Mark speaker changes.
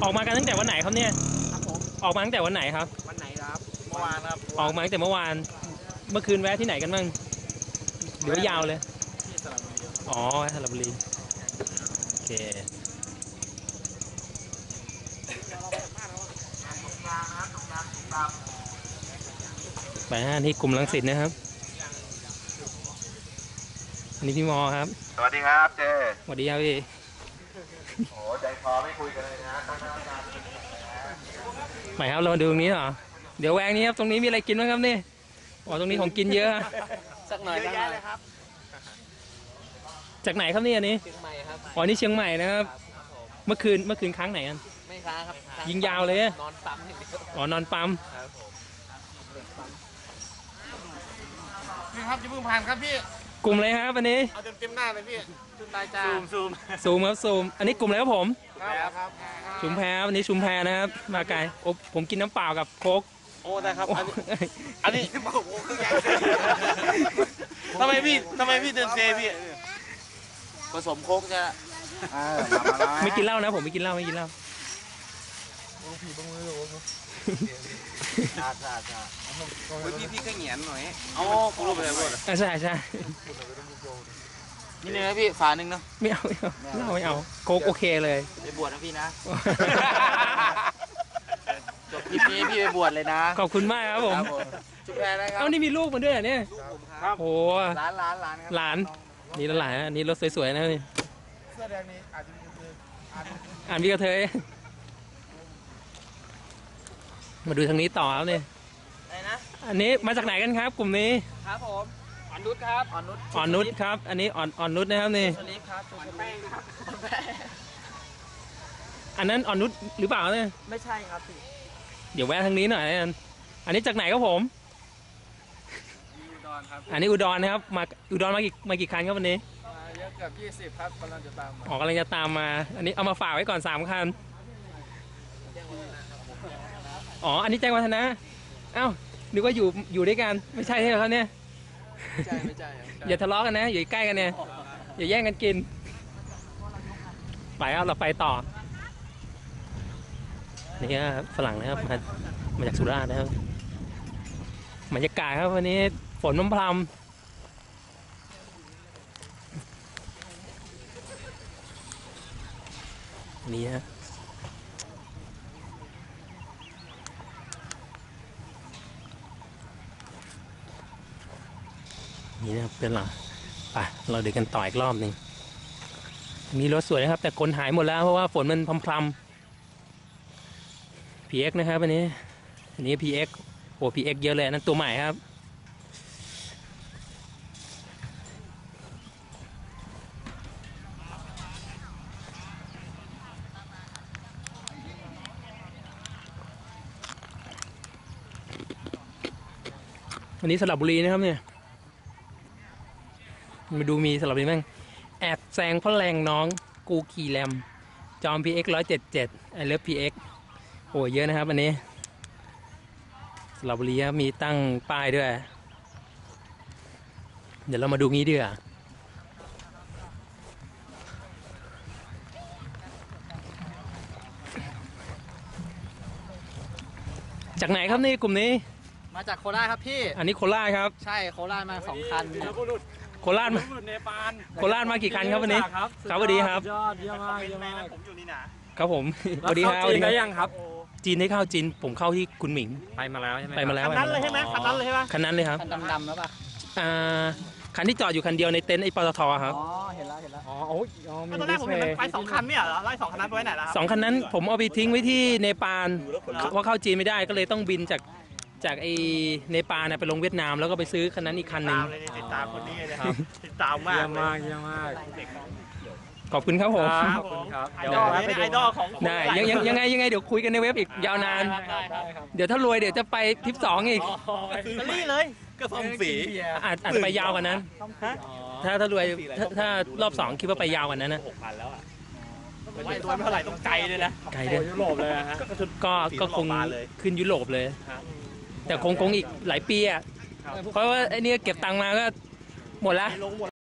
Speaker 1: ออกมากันตั้งแต่วันไหนครับเนี่ย
Speaker 2: ครับผม
Speaker 1: ออกมาตั้งแต่วันไหนครับ
Speaker 2: วันไหนครับเมื่อวานครับ
Speaker 1: ออกมาตั้งแต่เมื่อวานเมื่อคืนแวะที่ไหนกันบ้างหรือยาวเลย
Speaker 2: ที่สระบุรี
Speaker 1: อ๋อสระบุรีโอเคไปฮะนี่กลุ่มรังสิตนะครับอันนี้พี่มอครับ
Speaker 3: สวัสดีครับเจ
Speaker 1: สวัสดีครับพี่
Speaker 3: โอ้ใจคอไม่คุยกันเลยนะตั้งนาน
Speaker 1: หมายครับเรามาดูตรงนี้เหรอเดี๋ยวแวงนี้ครับตรงนี้มีอะไรกินบ้างครับนี่อ๋อตรงนี้ของกินเยอะ
Speaker 2: สักหน่อยเยอะแยะเลยครับ
Speaker 1: จากไหนครับนี่อันนี้
Speaker 2: เชียงใหม่ครับ
Speaker 1: อ๋อนี่เชียงใหม่นะครับเมื่อคืนค้างไหนกัน
Speaker 2: ไม่ค้างครับ
Speaker 1: ยิงยาวเลย
Speaker 2: นอนปั๊มอย่างเดียว
Speaker 1: อ๋อนอนปั๊ม
Speaker 2: พี่ครับจะพึ่งผ่านครับพี่
Speaker 1: กลุ่มอะไรครับอันนี้
Speaker 2: เอาเต็มหน้าเลยพี่ชุมตายจ้าซูม
Speaker 1: ครับซูมอันนี้กลุ่มอะไรครับผม
Speaker 2: ครับ
Speaker 1: ชุมแพวันนี้ชุมแพนะครับมาไกลโอ้ผมกินน้ำเปล่ากับโค้ก
Speaker 2: โอ้ได้ครับอันนี้ทำไมพี่เดินเซพี่ผสมโค้กจะ
Speaker 1: ไม่กินเหล้านะผมไม่กินเหล้า
Speaker 2: พี่ก็เหงียนหน่อยอ๋อกูรู้ไปเลยว่า
Speaker 1: ใช่
Speaker 2: นี่เลยนะพี่ฝาหนึ่งเนาะ
Speaker 1: ไม่เอาเหล้าไม่เอาโค้กโอเคเลย
Speaker 2: ไปบวชนะพี่นะจบคลิปนี้พี่ไปบวชเลยนะ
Speaker 1: ขอบคุณมากครับผม
Speaker 2: จุดแรกนะครับ
Speaker 1: เอ้านี่มีลูกมันด้วยเหรอเนี่ย
Speaker 2: ครับโอ้
Speaker 1: หลานนี่หลานนี่รถสวยๆนะนี่
Speaker 2: เสื้อแดงนี้อาจจะมี
Speaker 1: อ่านพี่กระเทยมาดูทางนี้ต่อครับนี่อันนี้มาจากไหนกันครับกลุ่มนี้
Speaker 2: ครับผมอ่อนนุชครับ
Speaker 1: อ่อนนุชครับอันนี้อ่อนนุชนะครับนี่
Speaker 2: อ่อนแป้งครับ
Speaker 1: อันนั้นอ่อนนุชหรือเปล่าเนี่ย
Speaker 2: ไม่ใช่ครับพี่
Speaker 1: เดี๋ยวแวะทางนี้หน่อยอันนี้จากไหนครับผม
Speaker 2: อุดรครับ
Speaker 1: อันนี้อุดรนะครับมาอุดรมากี่คันครับวันนี้
Speaker 2: เยอะเกือบ20ครับกำลังจะตาม
Speaker 1: กำลังจะตามมาอันนี้เอามาฝากไว้ก่อน3คันอ๋ออันนี้แจ้งวัฒนะเอ้านึกว่าอยู่ด้วยกันไม่ใช่ใช่ไหมครับเนี่ย
Speaker 2: ไม่ใช่
Speaker 1: อย่าทะเลาะกันนะอยู่ใกล้กันเนี่ยอย่าแย่งกันกินไปครับเราไปต่อนี่ครับฝรั่งนะครับมาจากสุราษฎร์นะครับบรรยากาศครับวันนี้ฝนพรำนี่ฮะนี่นะครับเป็นหรอไปเราเดินกันต่ออีกรอบหนึ่งมีรถสวยนะครับแต่คนหายหมดแล้วเพราะว่าฝนมันพรำPX นะครับอันนี้ PX โอ้ PX เยอะเลยนั่นตัวใหม่ครับวันนี้สระบุรีนะครับเนี่ยมาดูมีสระบุรีบ้างแอบแซงพ่อแรงน้องกูขี่แรมจอม PX 177ไอเลิฟ PX โอ้เยอะนะครับอันนี้สระบุรีมีตั้งป้ายด้วยเดี๋ยวเรามาดูงี้ดีกว่าจากไหนครับนี่กลุ่มนี้
Speaker 2: มาจากโคราชครับพี่
Speaker 1: อันนี้โคราชครับ
Speaker 2: ใช่โคราชมา2 คัน
Speaker 1: โคราชมากี่คันครับวันนี้ครับสวัสดีครับ
Speaker 2: ยอดเยี่ยมมากผมอยู่นี่นะครับ
Speaker 1: ผมสวัสดีครับ
Speaker 2: จีนได้ยังครับ
Speaker 1: จีนได้เข้าจีนผมเข้าที่คุณหมิง
Speaker 2: ไปมาแล้วใช่ไหม
Speaker 1: ไปมาแล้ว
Speaker 2: คันนั้นเลยใช่ไหมคันนั้นเลยใช่ไหม
Speaker 1: คันนั้นเลยครับ
Speaker 2: คันดำๆแล้วป่ะ
Speaker 1: คันที่จอดอยู่คันเดียวในเต็นท์ไอ้ปตทครับ
Speaker 2: อ๋อเห็นแล้ว
Speaker 4: อ๋อโอ้ยตอนแรกผมเห็นมันไป2 คันเนี่ยเหรอไล่2 คันนั้นไปไว้ไหนล่ะ
Speaker 1: 2 คันนั้นผมเอาไปทิ้งไว้ที่เนปาลว่าเข้าจีนไม่ได้ก็เลยต้องบินจากไอ้เนปาลไปลงเวียดนามแล้วก็ไปซื้อคันนั้นอีกคันหนึ่ง
Speaker 4: ติดตามคนนี้เลยครับติดตามมาก
Speaker 2: เยี่ยมมาก
Speaker 1: ขอบคุณครับผม
Speaker 4: ไอดอลของ
Speaker 1: ได้ยังไงเดี๋ยวคุยกันในเว็บอีกยาวนานเดี๋ยวถ้ารวยเดี๋ยวจะไปทริป2อีก
Speaker 4: อิตาลีเลยก็ส่งสี
Speaker 1: อาจจะไปยาวกว่านั้นถ้ารวยถ้ารอบ2คิดว่าไปยาวกว่านั้นนะ
Speaker 4: 6,000แล้วอ่ะไม่ตัวไม่เท่าไหร่ต้องไกลเลยนะ
Speaker 1: ไกลเลย
Speaker 4: ยุโรปเลยฮะ
Speaker 1: ก็คงขึ้นยุโรปเลยแต่คงอีกหลายปีอ่ะเพราะว่าไอ้นี่เก็บตังค์มาก็หมดแล้ว